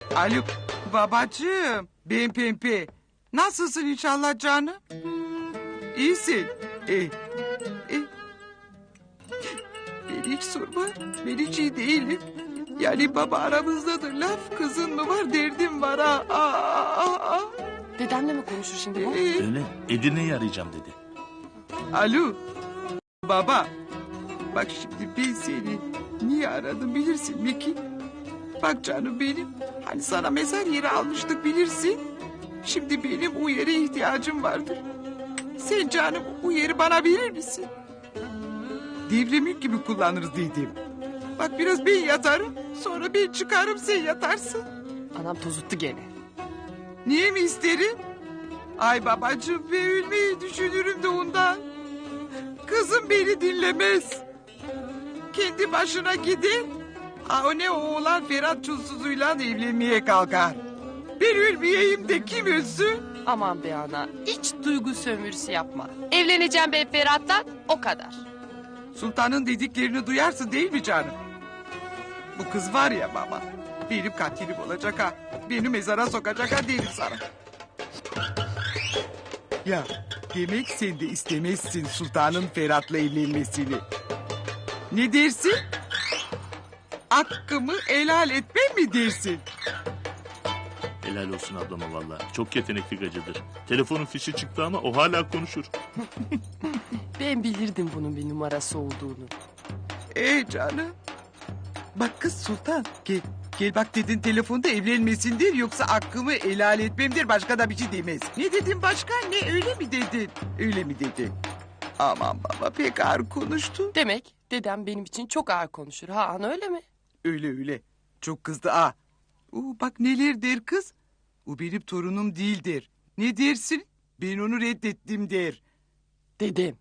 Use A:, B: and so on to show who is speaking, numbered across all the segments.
A: Alo babacığım, ben Pembe. Nasılsın inşallah canım? İyisin. Beni hiç sorma, ben hiç iyi değilim. Yani baba aramızdadır laf, kızın mı var derdim var ha.
B: Dedemle mi konuşur şimdi bu?
C: Öyle Edirne'yi arayacağım dedi.
A: Alo baba. Bak şimdi ben seni niye aradım bilirsin Meki. Bak canım benim, hani sana mezar yeri almıştık bilirsin. Şimdi benim o yere ihtiyacım vardır. Sen canım o yeri bana verir misin? Devlemlik gibi kullanırız dedim. Bak biraz ben yatarım, sonra ben çıkarım sen yatarsın.
B: Anam tozuttu gene.
A: Niye mi isterim? Ay babacığım ben ölmeyi düşünürüm de ondan. Kızım beni dinlemez. Kendi başına gider. O ne oğlan Ferhat Çulsuz'uyla evlenmeye kalkar. Ben ölmeyeyim de kim ölsün?
B: Aman be ana, hiç duygu sömürüsü yapma. Evleneceğim ben Ferhat'tan, o kadar.
A: Sultanın dediklerini duyarsın değil mi canım? Bu kız var ya baba, benim katilim olacak ha. Beni mezara sokacak ha derim sana. Ya demek sen de istemezsin sultanın Ferhat'la evlenmesini. Ne dersin? Hakkımı helal etmem mi dersin?
C: Helal olsun ablama valla. Çok yetenekli gacıdır. Telefonun fişi çıktı ama o hala konuşur.
B: Ben bilirdim bunun bir numarası olduğunu.
A: Canım. Bak kız sultan gel. Gel bak dedin telefonda evlenmesindir yoksa hakkımı helal etmemdir başka da bir şey demez. Ne dedin başka ne öyle mi dedin? Öyle mi dedin? Aman baba pek ağır konuştu.
B: Demek dedem benim için çok ağır konuşur. Ha ana öyle mi?
A: Öyle. Çok kızdı ha. Bak neler der kız. O benim torunum değildir. Ne dersin? Ben onu reddettim der.
B: Dedem.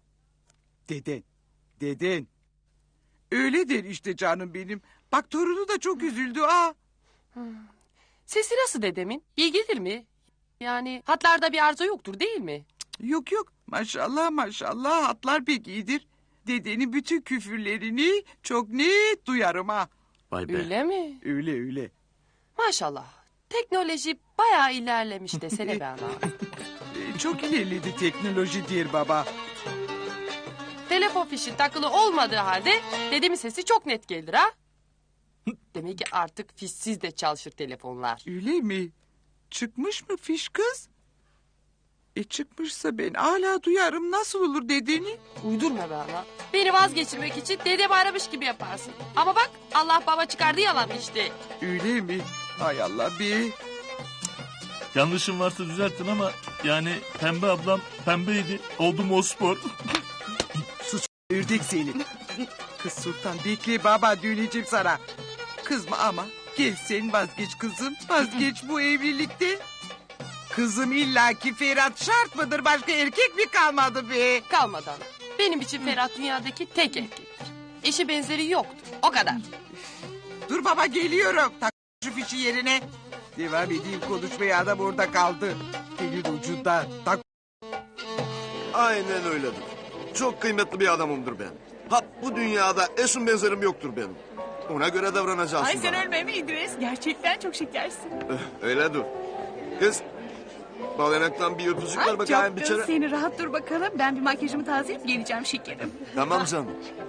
A: Deden. Öyle der işte canım benim. Bak torunu da çok üzüldü ha.
B: Sesi nasıl dedemin? İyi gelir mi? Yani hatlarda bir arıza yoktur değil mi?
A: Yok maşallah hatlar pek iyidir. Dedenin bütün küfürlerini çok net duyarım ha.
C: Vay be.
B: Öyle mi?
A: Öyle.
B: Maşallah. Teknoloji bayağı ilerlemiş desene be ana.
A: Çok ilerledi teknoloji diyor baba.
B: Telefon fişi takılı olmadığı halde dedemin sesi çok net gelir ha. Demek ki artık fişsiz de çalışır telefonlar.
A: Öyle mi? Çıkmış mı fiş kız? Çıkmışsa ben hala duyarım nasıl olur dediğini.
B: Uydurma be ana. Beni vazgeçirmek için dedemi aramış gibi yaparsın. Ama bak Allah baba çıkardı yalan işte.
A: Öyle mi? Hay Allah be.
C: Yanlışım varsa düzeltin ama yani Pembe ablam pembeydi. Oldu Mospor.
A: Ördek seni. Kız sultan bekle baba döneceğim sana. Kızma ama gel sen vazgeç kızım. Vazgeç bu evlilikte. Kızım illaki Ferhat şart mıdır? Başka erkek mi kalmadı be?
B: Kalmadı ana. Benim için Ferhat dünyadaki tek erkektir. Eşi benzeri yoktur. O kadar.
A: Dur baba geliyorum. Tak şu fişi yerine. Devam edeyim konuşmaya adam orada kaldı. Elin ucunda. Tak.
D: Aynen öyledir. Çok kıymetli bir adamımdır ben. Bu dünyada eşim benzerim yoktur benim. Ona göre davranacağız.
E: Ay sen ölme mi İdris? Gerçekten çok şekersin.
D: Öyle dur. Kız, bal yanaktan bir öpücük ver
E: Ay
D: bakayım bir
E: çok
D: kere.
E: seni rahat dur bakalım. Ben bir makyajımı tazeleyip geleceğim şekerim.
D: Tamam canım.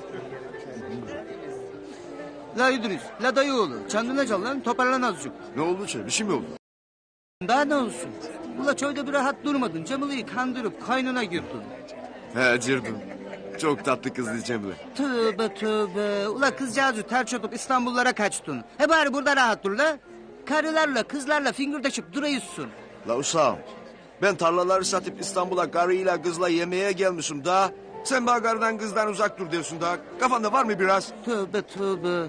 F: La İdris, la dayıoğlu. Çandına çal lan, toparlan azıcık.
D: Ne oldu ki? Bir şey mi oldu?
F: Daha ne olsun? Ula çölde bir rahat durmadın. Cemile'yi kandırıp kaynına girdin.
D: He Cirdun. Çok tatlı kızdı Cemile.
F: Tövbe. Ula kızcağızı terç atıp İstanbullara kaçtın. Bari burada rahat dur la. Karılarla, kızlarla fingirdeşip duruyorsun.
D: La uşağım. Ben tarlaları satıp İstanbul'a karıyla kızla yemeğe gelmişim daha. Sen bana karıdan kızdan uzak dur diyorsun daha. Kafanda var mı biraz?
F: Tövbe.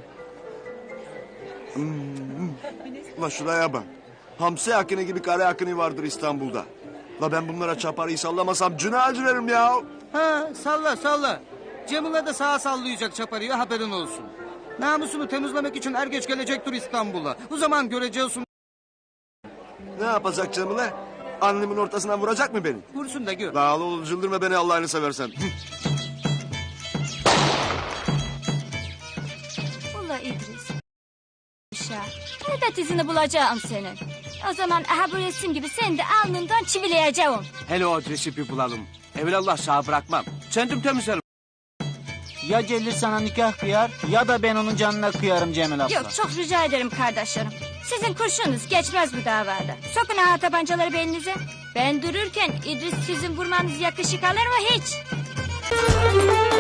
D: Ula şuraya bak. Hamsi akını gibi kare akını vardır İstanbul'da. La ben bunlara çaparıyı sallamasam cünah veririm ya.
F: Ha salla. Cemile de sağa sallayacak çaparıyor haberin olsun. Namusunu temizlemek için er geç gelecektir İstanbul'a. O zaman göreceksin.
D: Ne yapacak Cemile? Annemin ortasından vuracak mı beni?
F: Vursun da gör.
D: La oğlum çıldırma beni Allah'ını seversen.
G: Vallahi İdris. aşağı. Elbet izini bulacağım senin. O zaman aha bu resim gibi seni de alnından çivileyeceğim.
H: Hele o adresi bir bulalım. Evelallah sağ bırakmam. Kendim temizlerim.
F: Ya Celil sana nikah kıyar ya da ben onun canına kıyarım Cemil abla.
G: Yok çok rica ederim kardeşlerim. Sizin kurşununuz geçmez bu davada. Sokun aha tabancaları belinize. Ben dururken İdris sizin vurmanız yakışık alır mı hiç?